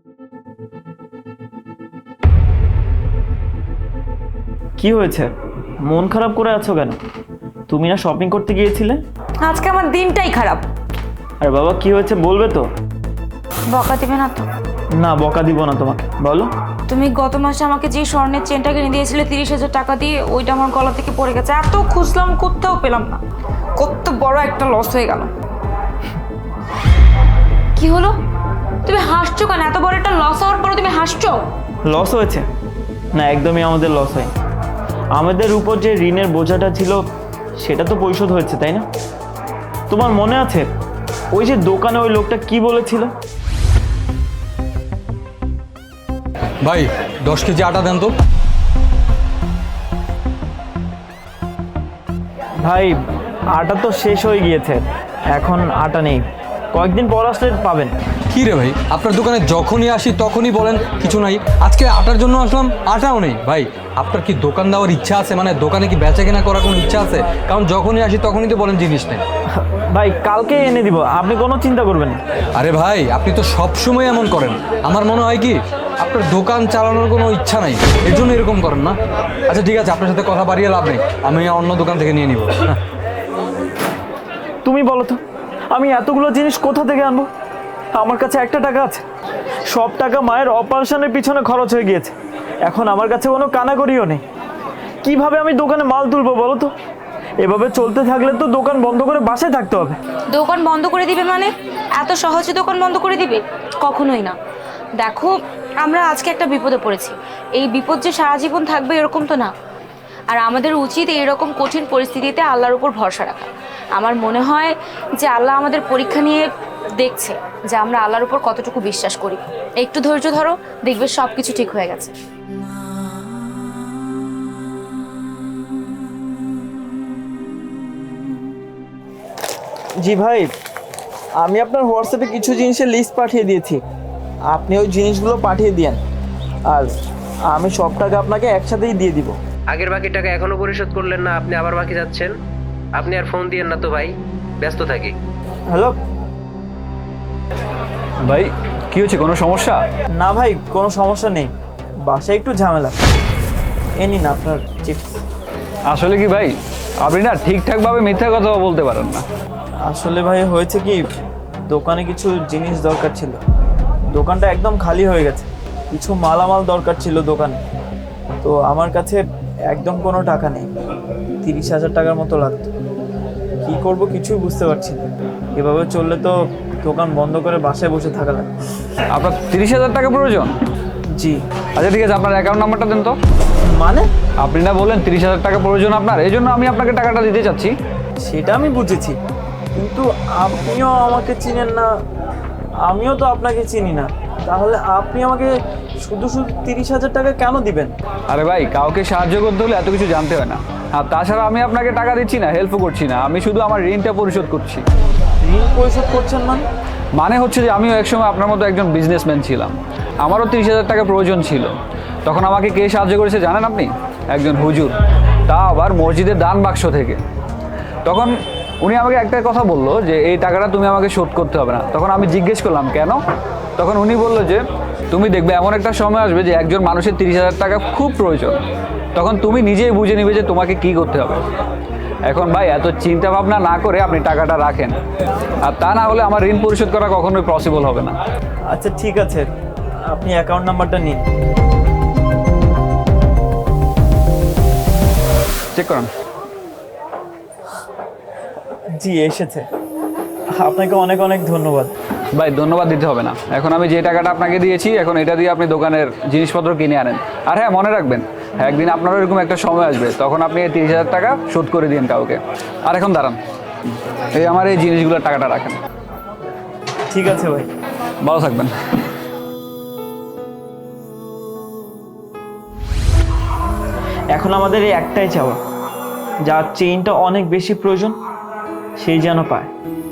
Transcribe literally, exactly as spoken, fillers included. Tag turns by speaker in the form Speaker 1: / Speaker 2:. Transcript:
Speaker 1: কি হয়েছে? মন খারাপ করে আছো কেন? তুমি না শপিং করতে গিয়েছিলে?
Speaker 2: আজকে আমার দিনটাই খারাপ।
Speaker 1: আরে বাবা, কি হয়েছে বলবে তো?
Speaker 2: বকা দিবে না তো?
Speaker 1: না, বকা দিব না তোমাকে, বলো।
Speaker 2: তুমি গত মাসে আমাকে যে স্বর্ণের চেনটা কিনে দিয়েছিলে তিরিশ হাজার টাকা দিয়ে, ওইটা আমার গলা থেকে পড়ে গেছে। এত খুঁজলাম, কোথাও পেলাম না। কত বড় একটা লস হয়ে গেল। কি হলো? তুমি হাসছো কেন? এত বড় একটা লস হওয়ার পরে তুমি হাসছো?
Speaker 1: লস হয়েছে? না, একদমই আমাদের লস হয়। আমাদের উপর যে ঋণের বোঝাটা ছিল সেটা তো পরিশোধ হয়েছে, তাই না? তোমার মনে আছে ওই যে দোকানে ওই লোকটা কি বলেছিল?
Speaker 3: ভাই দশ কেজি আটা দেন তো।
Speaker 1: ভাই, আটা তো শেষ হয়ে গিয়েছে, এখন আটা নেই। কয়েকদিন পর আসলে পাবেন।
Speaker 3: কি রে ভাই, আপনার দোকানে যখনই আসি তখনই বলেন কিছু নাই। আজকে আটার জন্য আসলাম, আটাও নেই। ভাই আপনার কি দোকান দেওয়ার ইচ্ছা আছে? মানে দোকানে কি বেচা কেনা করার কোনো ইচ্ছা আছে? কারণ যখনই আসি তখনই তো বলেন জিনিস নেই।
Speaker 1: ভাই, কালকে এনে দিব, আপনি কোনো চিন্তা করবেন না।
Speaker 3: আরে ভাই, আপনি তো সবসময় এমন করেন। আমার মনে হয় কি আপনার দোকান চালানোর কোনো ইচ্ছা নাই, এর জন্য এরকম করেন না। আচ্ছা ঠিক আছে, আপনার সাথে কথা বাড়িয়ে লাভ নেই, আমি অন্য দোকান থেকে নিয়ে নিব।
Speaker 1: তুমি বলো তো, আমি এতগুলো জিনিস কোথা থেকে আনবো? আমার কাছে একটা টাকা আছে, সব টাকা মায়ের অপারেশনের পিছনে খরচ হয়ে গিয়েছে। এখন আমার কাছে কোনো কানাকড়িও নেই। কিভাবে আমি দোকানে মাল তুলবো বলো তো? এভাবে চলতে থাকলে তো দোকান বন্ধ করে বাসায় থাকতে হবে।
Speaker 2: দোকান বন্ধ করে দিবে মানে? এত সহজে দোকান বন্ধ করে দিবে? কখনোই না। দেখো, আমরা আজকে একটা বিপদে পড়েছি। এই বিপদ যে সারা জীবন থাকবে এরকম তো না। আর আমাদের উচিত এইরকম কঠিন পরিস্থিতিতে আল্লাহর উপর ভরসা রাখা। আমার মনে হয় যে আল্লাহ আমাদের পরীক্ষা নিয়ে দেখছে যে আমরা আল্লাহর উপর কতটুকু বিশ্বাস করি। একটু ধৈর্য ধরো, দেখবে সব কিছু ঠিক হয়ে গেছে।
Speaker 1: জি ভাই, আমি আপনার হোয়াটসঅ্যাপে কিছু জিনিসের লিস্ট পাঠিয়ে দিয়েছি, আপনি ওই জিনিসগুলো পাঠিয়ে দিয়েন। আর আমি সব টাকা আপনাকে একসাথেই দিয়ে দিব।
Speaker 4: আগের বাকি টাকা এখনো পরিশোধ করলেন না, আপনি আবার বাকি যাচ্ছেন। আপনি আর ফোন দিয়েন না তো ভাই, ব্যস্ত থাকি।
Speaker 1: হ্যালো
Speaker 5: ভাই, কি হচ্ছে? কোনো সমস্যা?
Speaker 1: না ভাই, কোনো সমস্যা নেই, বাসায় একটু ঝামেলা। এ নিন আপনার চিপস।
Speaker 5: আসলে কি ভাই, আপনি না ঠিকঠাকভাবে মিথ্যা কথা বলতে পারেন না।
Speaker 1: আসলে ভাই হয়েছে কি, দোকানে কিছু জিনিস দরকার ছিল, দোকানটা একদম খালি হয়ে গেছে। কিছু মালামাল দরকার ছিল দোকানে, তো আমার কাছে একদম কোনো টাকা নেই। তিরিশ হাজার টাকার মতো লাগতো। কী করব কিছুই বুঝতে পারছি না। এভাবে চললে তো দোকান বন্ধ করে বাসায় বসে থাকা লাগবে।
Speaker 5: আপনার তিরিশ হাজার টাকা প্রয়োজন?
Speaker 1: জি।
Speaker 5: আচ্ছা ঠিক আছে, আপনার অ্যাকাউন্ট নাম্বারটা দেন তো।
Speaker 1: মানে?
Speaker 5: আপনি না বলেন তিরিশ হাজার টাকা প্রয়োজন আপনার, এই জন্য আমি আপনাকে টাকাটা দিতে চাচ্ছি।
Speaker 1: সেটা আমি বুঝেছি, কিন্তু আপনিও আমাকে চিনেন না, আমিও তো আপনাকে চিনি না, তাহলে আপনি আমাকে শুধু শুধু তিরিশ হাজার টাকা কেন দিবেন?
Speaker 5: আরে ভাই, কাউকে সাহায্য করতে হলে এত কিছু জানতে হয় না। আর তাছাড়া আমি আপনাকে টাকা দিচ্ছি না, হেল্পও করছি না, আমি শুধু আমার ঋণটা পরিশোধ করছি।
Speaker 1: ঋণ পরিশোধ করছেন মানে?
Speaker 5: মানে হচ্ছে যে আমিও একসময় আপনার মতো একজন বিজনেসম্যান ছিলাম, আমারও তিরিশ হাজার টাকা প্রয়োজন ছিল। তখন আমাকে কে সাহায্য করেছে জানেন আপনি? একজন হুজুর, তা আবার মসজিদের দান বাক্স থেকে। তখন উনি আমাকে একটা কথা বললো যে এই টাকাটা তুমি আমাকে শোধ করতে হবে না। তখন আমি জিজ্ঞেস করলাম কেন? তখন উনি বললো যে তুমি দেখবে এমন একটা সময় আসবে যে একজন মানুষের তিরিশ হাজার টাকা খুব প্রয়োজন, তখন তুমি নিজেই বুঝে নিবে যে তোমাকে কি করতে হবে। এখন ভাই, এত চিন্তা ভাবনা না করে আপনি টাকাটা রাখেন, আর তা না হলে আমার ঋণ পরিশোধ করা কখনোই পসিবল হবে না।
Speaker 1: আচ্ছা ঠিক আছে, আপনি অ্যাকাউন্ট নাম্বারটা নিন।
Speaker 5: চেক করুন।
Speaker 1: জি, এসেছে। আপনাকে অনেক অনেক ধন্যবাদ।
Speaker 5: ভাই ধন্যবাদ দিতে হবে না, এখন আমি যে টাকাটা আপনাকে দিয়েছি এখন এটা দিয়ে আপনি দোকানের জিনিসপত্র কিনে আনেন। আর হ্যাঁ, মনে রাখবেন একদিন আপনারও এরকম একটা সময় আসবে, তখন আপনি এই তিরিশ হাজার টাকা শোধ করে দিন কাউকে। আর এখন দাঁড়ান, এই আমার এই জিনিসগুলোর টাকাটা রাখেন।
Speaker 1: ঠিক আছে ভাই,
Speaker 5: ভালো থাকবেন।
Speaker 1: এখন আমাদের এই একটাই চাওয়া, যার চেইনটা অনেক বেশি প্রয়োজন সেই যেন পায়।